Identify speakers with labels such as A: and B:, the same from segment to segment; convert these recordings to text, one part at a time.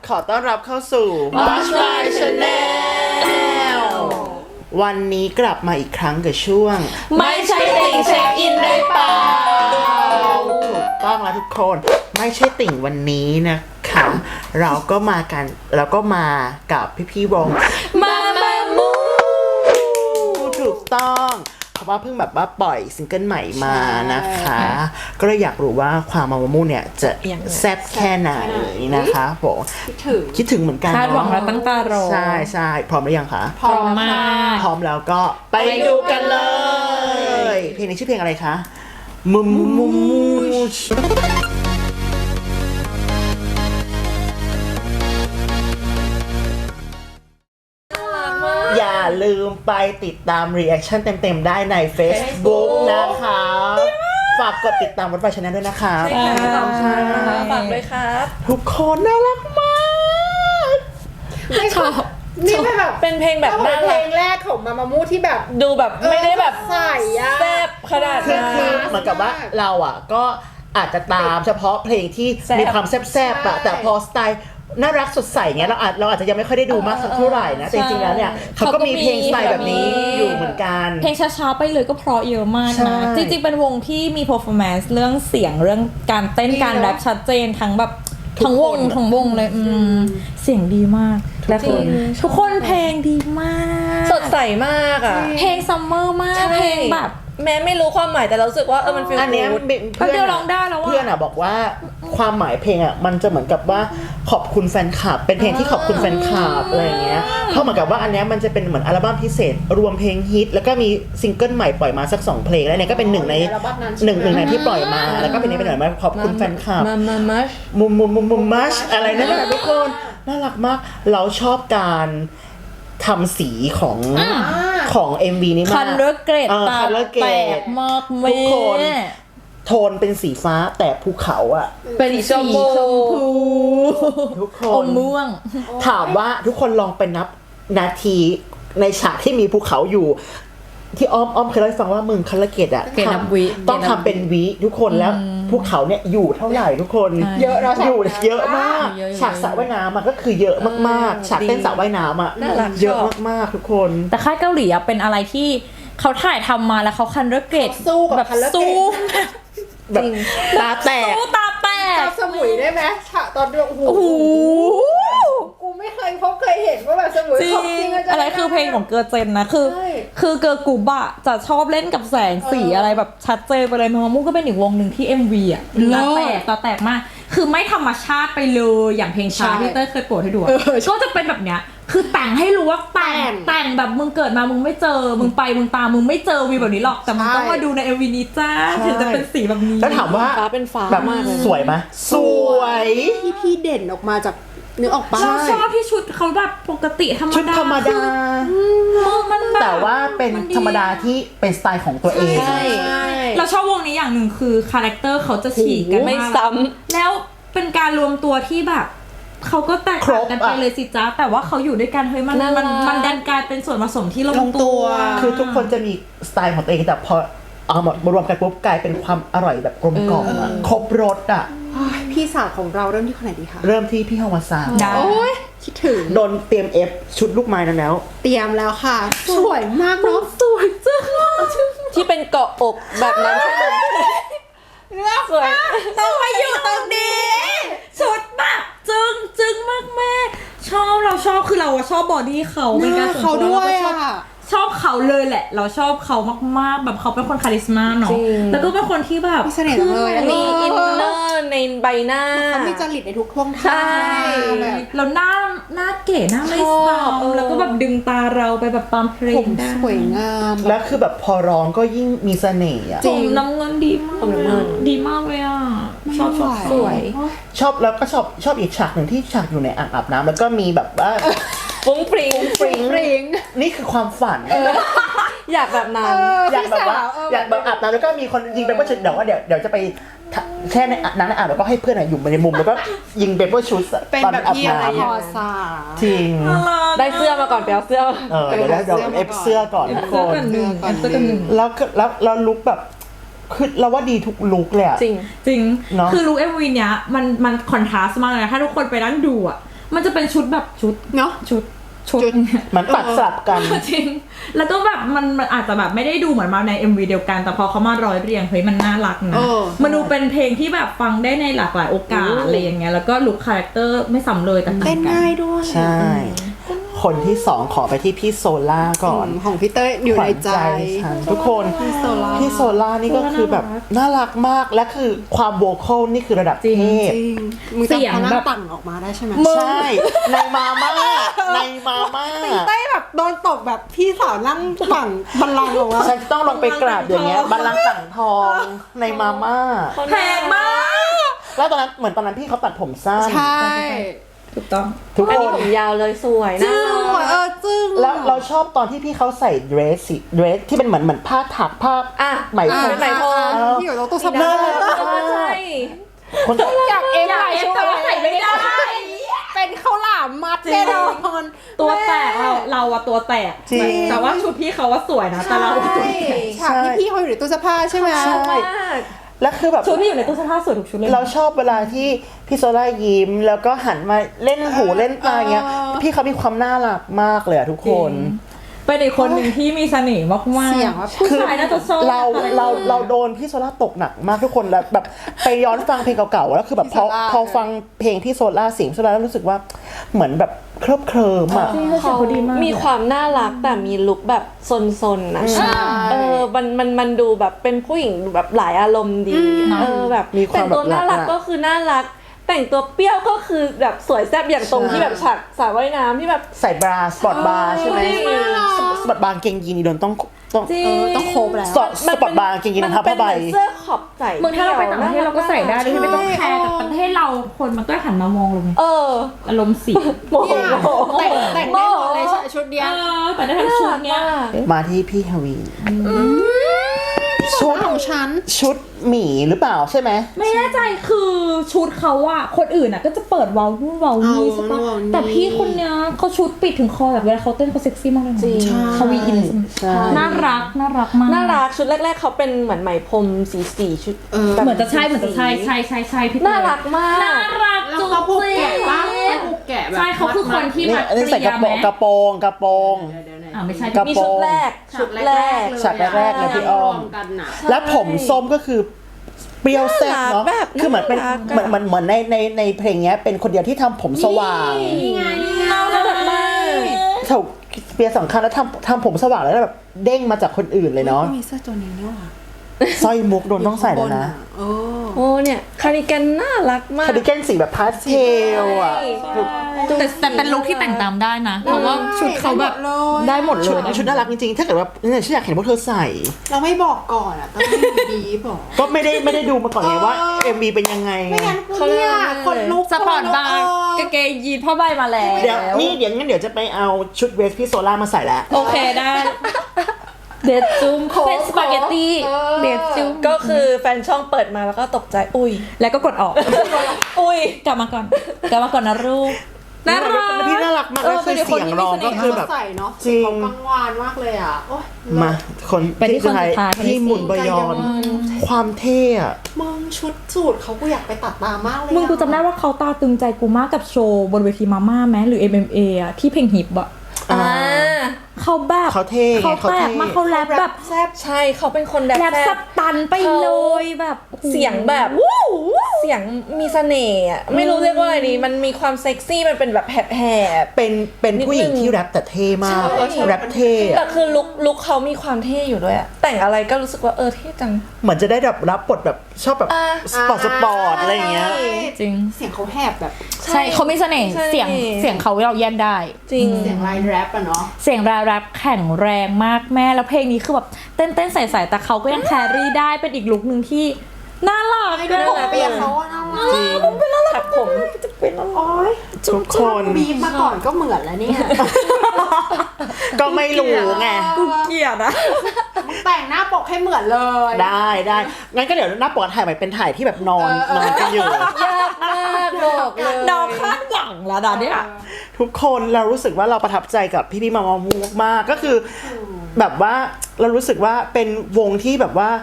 A: ขอต้อนรับเข้าสู่ Watch My Channel วันนี้กลับมาอีกครั้งกับช่วง
B: ไม่ใช่ติ่งเช็คอินได้เปล่า
A: ถูกต้องแล้วทุกคนไม่ใช่ติ่งวันนี้นะคะเราก็มากับพี่วง
B: มามู
A: ถูกต้องเพราะว่าเพิ่งแบบว่าปล่อยซิงเกิลใหม่มานะคะก็เลยอยากรู้ว่าความมามูเนี่ยจะแซ่บแค่ไหนนะคะผมคิดถึงเหมือนกัน
B: คาดหวังและตั้งตารอ
A: ใช่พร้อมหรือยังคะ
B: พร้อมมาก
A: พร้อมแล้วก็ไปดูกันเลยเพลงนี้ชื่อเพลงอะไรคะมุอย่าลืมไปติดตามรีแอคชั่นเต็มๆได้ใน Facebook นะคะฝากกดติดตามWatch My Channelด้วยนะคะ
B: ฝากด้วยครับ
A: ทุกคนน่ารักมาก
B: ชอบ
C: นี่เป็น
B: เพลงแบบน่ารัก
C: เพลงแรกของมามูที่แบบ
B: ดูแบบไม่ได้แบบ
C: ใส่
B: แซ่บขนาดนั้น
A: คือเหมือนกับว่าเราอ่ะก็อาจจะตามเฉพาะเพลงที่มีความแซ่บๆอะแต่พอสไตล์น่ารักสดใสเงี้ยเราอาจจะยังไม่ค่อยได้ดูมากสักเท่าไหร่นะแต่จริงๆแล้วเนี่ยเขาก็มีเพลงสไตล์แบบนี้อยู่เหมือนกัน
D: เพลงช้าๆไปเลยก็เพราะเยอะมากนะจริงๆเป็นวงที่มี performance เรื่องเสียงเรื่องการเต้นการแรปชัดเจนทั้งแบบทั้งวงเลยเสียงดีมากและทุกคนเพลงดีมาก
B: สดใสมากอ่ะ
D: เพลงซัมเมอร์มากเพลงแบบ
B: แม้ไม่รู้ความหมายแต่เรารู้สึกว่ามันฟีลกู๊ด
A: อันนี้เพื่อนร้องได้แล้วเพื่อนอ่ะบอกว่าความหมายเพลงอ่ะมันจะเหมือนกับว่าขอบคุณแฟนคลับเป็นเพลงที่ขอบคุณแฟนคลับอะไรอย่างเงี้ยเพราะเหมือนกับว่าอันนี้มันจะเป็นเหมือนอัลบั้มพิเศษรวมเพลงฮิตแล้วก็มีซิงเกิลใหม่ปล่อยมาสัก2เพลงแล้วเนี่ยก็เป็นหนึ่งในที่ปล่อยมาแล้วก็เป็นหน่อยมาขอบคุณแฟนคลับมุมมัชอะไรนั่นแหละทุกคนน่ารักมากเราชอบการทำสีของ MV นี้มาก
D: คันเลอร์เกรดตาแตกมากทุกคน
A: โทนเป็นสีฟ้าแต่ภูเขาอ่ะ
D: เป็นสีชมพู
A: ทุกคน
D: อมม่วง
A: ถามว่าทุกคนลองไปนับนาทีในฉากที่มีภูเขาอยู่ที่อ้อมเคยเล่าให้ฟังว่ามึงคัลเลเกตอ่ะต้องทำเป็นวิทุกคนแล้วภูเขาเนี่ยอยู่เท่าไหร่ทุกคน
C: เยอะเรา
A: อยู่เยอะมากฉากสระว่ายน้ำมันก็คือเยอะมากๆฉากเต้นสระว่ายน้ำอ่ะเยอะมากๆทุกคน
D: แต่ค่ายเกาหลีเป็นอะไรที่เขาถ่ายทำมาแล้วเขาคันเลอร์เกรดแบบสู้
A: แบบตาแตก
D: ตาแตก
C: สมุยได้ไหมฉากตอนโอ้โหกูไม่เคยเห็นว่าแบบสมุยของจริง
D: อะไรคือเพลงของเกอร์เจนนะคือเกอร์กูบะจะชอบเล่นกับแสงสีอะไรแบบชัดเจนไปเลยมามุ่งก็เป็นอีกวงหนึ่งที่ MV อ่ะตาแตกมากคือไม่ธรรมชาติไปเลยอย่างเพลงช้าที่เต้ยเคยโปรดให้ดูก็จะเป็นแบบเนี้ยคือแต่งให้รู้ว่าแต่งแบบมึงเกิดมามึงไม่เจอมึงไปมึงตามมึงไม่เจอวีแบบนี้หรอกแต่มึงต้องมาดูใน MV นี้จ้าถึงจะเป็นสีแบบนี้
A: แล้วถามว่า
B: ฟ้าเป็นฟ้า
A: แบบสวยไหมสวย
C: พี่เด่นออกมาจากนึกออกปะ
D: เราชอบที่ชุดเขาแบบปกติธรรมดา
A: ชุดธรรมดาแต่ว่าเป็นธรรมดาที่เป็นสไตล์ของตัวเอง
D: เราชอบวงนี้อย่างหนึ่งคือคาแรคเตอร์เขาจะฉีกกัน
B: ไม่ซ้ำ
D: แล้วเป็นการรวมตัวที่แบบเขาก็แตกต่างกันไปเลยสิจ้าแต่ว่าเขาอยู่ด้วยกันเฮ้ยมันดันกลายเป็นส่วนผสมที่ลงตัว
A: คือทุกคนจะมีสไตล์ของตัวเองแต่พอเอามารวมกันปุ๊บกลายเป็นความอร่อยแบบกลมกล่อมครบรสอ่ะ
C: พี่สาวของเราเริ่มที่คนไหนดีคะ
A: เริ่มที่พี่ฮาวาซา
C: โอ้ยคิดถึง
A: โดนเตรียมเอฟชุดลูกไม้นั้นแล้ว
C: เตรียมแล้วค่ะสวยมากเนาะ
D: สวยจัง
B: ที่เป็นเกาะอกแบบนั้นใช่ไหม
D: สวยต้องมาอยู่ตรงนี้ชุดแบบจึงมากชอบเราชอบคือเราชอบบอดี้เขาเป็นการ
C: เขาด้วย
D: ชอบเขาเลยแหละเราชอบเขามากๆแบบเขาเป็นคนคาริสมาเนาะแล้วก็เป็นคนที่แบบ
C: มีเสน่ห์เลย
B: มีอินเนอร์ในใบหน้า
C: เขามีจริตในทุกท่วงท่า
D: แล้วหน้าเก๋หน้าไม่ซ้ำแล้วก็แบบดึงตาเราไปแบบตามเพลงได้
C: สวยงาม
A: แล้วคือแบบพอร้องก็ยิ่งมีเสน่ห์
D: จริงน้ำเงินดีมากดีมากเลยอ่ะชอบ
B: สวย
A: ชอบแล้วก็ชอบอีกฉากหนึ่งที่ฉากอยู่ในอ่างอาบน้ำแล้วก็มีแบบว่า
B: ฟุ้งฟริ้ง
A: นี่คือความฝัน
B: อยากแบบนั้น
A: อยากแบบว่าอยากแบบอาบน้ำแล้วก็มีคนยิงเปเปอร์ชูตเดี๋ยวจะไปแช่ในน้ำอาบแล้วก็ให้เพื่อนอยู่ในมุมแล้วก็ยิงเปเปอร์ชูต
C: เป็นแบบพี่อะไรพอซา
A: จริง
B: ได้เสื้อมาก่อนไปเอาเสื้อ
A: เดี๋ยวเอฟเสื้อก่อนทุกคนแล้วลุคแบบคือเราว่าดีทุกลุคเลย
D: จริงคือลุค MV เนี้ยมันคอนทราสต์มากเลยถ้าทุกคนไปนั่งดูอ่ะมันจะเป็นชุดแบบชุด
C: เนาะ
D: ชุด
A: มันตัดสลับกัน
D: จริง แล้วก็แบบมันอาจจะแบบไม่ได้ดูเหมือนมาใน MV เดียวกัน แต่พอเขามาร้อยเรียงเฮ้ยมันน่ารักนะ มันดูเป็นเพลงที่แบบฟังได้ในหลากหลายโอกาสอะไรอย่างเงี้ย แล้วก็ลุคคาแรคเตอร์ไม่ซ้ำเลยแต่ต่าง
C: เต้น
D: กัน
C: ง่ายด้วย
A: ใช่ คนที่สองขอไปที่พี่โซล่าก่อน
C: ของพี่เต้ยอยู่ในใจ
A: ฉันทุกคน
C: พี่โซล่า
A: พี่โซล่านี่ก็คือแบบน่ารักมากและคือความโวคอลนี่คือระดับเทพ
C: จริงมึงจะพนังตั่งออกมาได้ใช่ไหม
A: ใช่ในมาม่าในมาม่า
C: เต้ยแบบโดนตบแบบพี่สาวนั่งตั่งบัลลังก์ออกมา
A: ฉันต้องลงไปกราบอย่างเงี้ยบัลลังก์ต่างทองในมาม่า
D: แพงมาก
A: แล้วตอนนั้นเหมือนตอนนั้นพี่เขาตัดผมสั้น
C: ใช่
D: ถูกต้อง
A: ทุก
B: อัน
A: ค
B: นี้
A: น
B: ผมยาวเลยสวยนะ
C: จึ้ง
A: แล้วเราชอบตอนที่พี่เขาใส่เดรสที่เป็นเหมือนผ้าถักผ้า
B: อ่ะ
A: ไหมพรม
B: ไหมพรม
C: ที่อยู่ตรงตู้ซับ
A: น่า
C: เล
A: รั
C: ย
A: กมาก
B: ใช่
A: คน
C: อยากเอ็ม
D: อยากเอ็มแต่ว่าใส่ไม่ได้
C: เป็นข้าวหลามมัดแน่นอน
D: ตัวแตกเราอะตัวแตก
A: จริง
D: แต่ว่าชุดพี่เขาว่าสวยนะ แต่เราอะตัวแตก
C: ฉากที่พี่เขาอยู่ในตู้เสื้อผ้าใช่ไหม
A: ใช่
B: มาก
A: แล้วคือแบบ
D: ชุดที่อยู่ในตู้เสื้อผ้าสวยทุกชุดเลยนะ
A: เราชอบเวลาที่พี่โซล่ายิ้มแล้วก็หันมาเล่นหูเล่นตาเงี้ยพี่เขามีความน่ารักมากเลยอะทุกคน
D: เป็นอีกคนหนึ่งที่มีเสน่ห์มากๆ
C: เสียงว่า
D: ผู้ชายน่าจะชอบ
A: เราโดนพี่โซล่าตกหนักมากทุกคนแล้วแบบไปย้อนฟังเพลงเก่าๆแล้วคือแบบพอฟังเพลงพี่โซล่าเสียงโซล่าแล้วรู้สึกว่าเหมือนแบบเคลิบเคลิ้มอะ
B: เขามีความน่ารักแต่มีลุคแบบซนๆนะมันดูแบบเป็นผู้หญิงแบบหลายอารมณ์ดีแบบ
A: มีความ
B: แต่งตัวน่ารัก
A: แบบ
B: ก็คือน่ารัก แต่งตัวเปรี้ยวก็คือแบบสวยแซ่บอย่างตรงที่แบบฉากสระว่ายน้ำที่แบบ
A: ใส่บราสปอร์ตบาร์ใช่ไหมสปอร์ตบาร์เกงยีนนี่โดนต้อง
C: ต้องโคบแล้ว
A: สปอร์ตบาร์เกงยีนนะครับผ้าใบ
B: มันเป็นเหมือนเสื้อขอบใส่
D: เมืองถ้าเราไปต่างประเทศเราก็ใส่ได้โดยที่ไม่ต้องแคร์แต่ประเทศเราคนมันก็หันมามองเราไง อารมณ์เสีย
B: โมโห
C: แต่งได้หมดเลยชุดเดียว
D: แต่ได้ทั้งชุดเนี้ย
A: มาที่พี่ฮาวีชุด
C: ของฉัน
A: ชุดหมีหรือเปล่าใช่ไหม
D: ไม่แน่ใจคือชุดเขาอะคนอื่นอะก็จะเปิดเว้านู่นเว้านี่ใช่ปะแต่พี่คนเนี้ยเขาชุดปิดถึงคอแบบเวลาเขาเต้นเขาเซ็กซี่มากเลยนะเขาวีอิน
A: ใช่
D: น่ารักมาก
B: น่ารักชุดแรกๆเขาเป็นเหมือนไหมพรมสีชุด
D: เหมือนจะใช่ใช่พี่
B: น่ารักมาก
D: น่ารัก
C: แล้วเขาผูกแกะปะผูกแกะแบบ
D: ใช่เขาคือคนที่
A: นี่
D: มา
A: อันนี้ใส่กระโปรง
D: กระโปรง
A: กระโปรง
D: ไม่ใช่
A: กระ
B: มี
A: โปร
B: ชุด
A: ง
B: แรกชุดแรก
A: ฉากแรกๆเลยพี่อ้อม
C: กันน่ะ
A: และผมส้มก็คือเปรี้ยวแซ่บเนาะ
B: แบบ
A: คือเหมือนเป็น
B: น่ารักอะ
A: เหมือนในเพลงเนี้ยเป็นคนเดียวที่ทำผมสว่าง
D: น่ารักมาก
A: ถูกเปียสำคัญแล้วทำผมสว่างแล้วแบบเด้งมาจากคนอื่นเลยเนาะ
C: มีเสื้อตัวนี้ด้วยว่ะ
A: สร้อยมุกโดนต้องใส่แล้วนะ
B: โอ้เนี่ยคาร์ดิแกนน่ารักมาก
A: คาร์ดิแกนสีแบบพาสเทลอ่ะ
D: แต่เป็นลุคที่แต่งตามได้นะ เพราะว่าชุดเขาแบบได้หมดเล
A: ชุด
D: ย
A: ชุดน่ารักจริงๆ ถ้าเกิดว่าเนี่ยฉันอยากเห็นพวกเธอใส่
C: เราไม่บอกก่อนอ่ะต้องให้ดีบอก
A: ก็ไม่ได้ดูมาก่อนไงว่า MV เป็นยังไง
C: ไม่งั้นกูเนี่ยคนลุก
D: สปอร์ตบาร์กางเกงยีนผ้าใบมาแล้ว
A: เดี๋ยวงั้นเดี๋ยวจะไปเอาชุดเวสพี่โซล่ามาใส่แล้ว
D: โอเคได้ เดดจุ้มเป็นสปาเกตตี้เดดจุ้ม
B: ก็คือแฟนช่องเปิดมาแล้วก็ตกใจอุ้ย
D: แล้วก็กดออก
B: อุ้ย
D: กลับมาก่อนนะลูกน่ารัก
A: พี่น่ารักมากแล้วคือเสียงร้องก็คือแบบ
C: ใส่เนาะ
A: จริง
C: เขากังวานมากเลยอ่ะโอ๊ย
A: มาคน
D: ไปที่คนสุดท้าย
A: พี่หมุนบยอน ความเท่อะ
C: มึงชุดสูทเขากูอยากไปตัดตามากเลย
D: มึงกูจำได้ว่าเขาตาตึงใจกูมากกับโชว์บนเวทีมาม่าไหมหรือ MMA อะที่เพลงฮิปอะเขาแบบ
A: เขาเท่
D: เขาแปลกมากเขาแรปแบบ
C: แซ่บ
B: ใช่เขาเป็นคนแร
D: แร
B: ป
D: ปสตันไปเลยแบบโอ้โห
B: เสียงแบบเสียงมีเสน่ห์อะไม่รู้เรียกว่าอะไรดีมันมีความเซ็กซี่มันเป็นแบบแหบ
A: เป็นผู้หญิงที่แรปแต่เท่มาก
B: ใช่
A: แรปเท่
B: ๆ
A: อะ
B: แต่คือลุคเขามีความเท่อยู่ด้วยอะแต่งอะไรก็รู้สึกว่าเท่จัง
A: เหมือนจะได้แบบรับบทแบบชอบแบบสปอร์ตอะไรอย่างเงี้ย
D: จริง
C: เสียงเขาแหบแบบ
D: ใช่เขามีเสน่ห์
B: ใช่
D: เสียงเขาเราแยกได้
B: จริง
C: เสียงไลน์แรปอะเนาะ
D: เสียงแรปแข็งแรงมากแม่แล้วเพลงนี้คือแบบเต้นใส่แต่เขาก็ยังแครี่ได้เป็นอีกลุคนึงที่น่ารัก
C: ไม่ได้ผมเปียกเขาอะน่ารัก
B: ถักผม
C: โอ๊ย
A: ทุกคน
C: บีบมาก่อนก็เหมือนแล้วเนี่ย
A: ก็ไม่รู้ไง
D: เกลียดอะ
C: แต่งหน้าปกให้เหมือนเลย
A: ได้งั้นก็เดี๋ยวหน้าปกถ่ายใหม่เป็นถ่ายที่แบบนอนกันอยู่
B: ยากมากบอกเลย
D: ดอกคาดหวังแล้วนะเนี่ย
A: ทุกคนเรารู้สึกว่าเราประทับใจกับพี่มามูมากก็คือแบบว่าเรารู้สึกว่าเป็นวงที่แบบว่า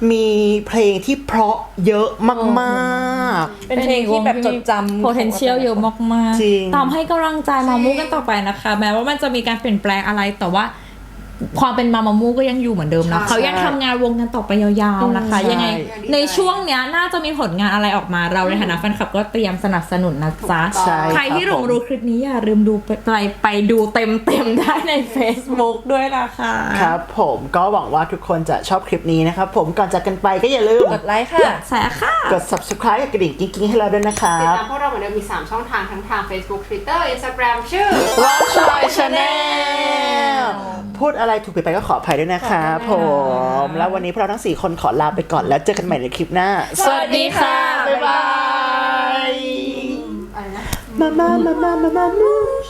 A: มีเพลงที่เพราะเยอะมาก
B: เป็นเพลงที่แบบจดจำ
D: potential เยอะมาก
A: จริง
D: ตามให้กำลังใจมามูกันต่อไปนะคะ แม้ว่ามันจะมีการเปลี่ยนแปลงอะไรแต่ว่าความเป็นมามูก็ยังอยู่เหมือนเดิมนะ
C: ใช่
D: เขายังทำงานวงกันต่อไปยาวๆนะคะ
A: ใช่
D: ยังไงในช่วงเนี้ยน่าจะมีผลงานอะไรออกมาเราในฐานะแฟนคลับก็เตรียมสนับสนุนนะจ๊ะ
A: ใช่
D: ใครที่หลงรู้คลิปนี้อย่าลืมดูไปดูเต็มๆได้ใน Facebook ด้วยนะคะ
A: ๆครับผมก็หวังว่าทุกคนจะชอบคลิปนี้นะครับผมก่อนจากกันไปก็อย่าลืม
B: กดไลค์ค่ะ
D: แสค่ะ
A: กด subscribe กับกระดิ่งกิ๊งๆให้เราด้วยนะครั
C: ติด
A: บ
C: ตามพวกเราเหมือนเดิมมี 3 ช่องทางทั้งทาง Facebook Twitter Instagram ชื่อ
A: Watch My Channel พูดอะไรถูกผิดไปก็ขออภัยด้วยนะครับผม แล้ววันนี้พวกเราทั้ง 4 คนขอลาไปก่อนแล้วเจอกันใหม่ในคลิปหน้า
B: สวัสดีค่ะ
A: บ๊ายบาย
C: อะไรนะ
A: มา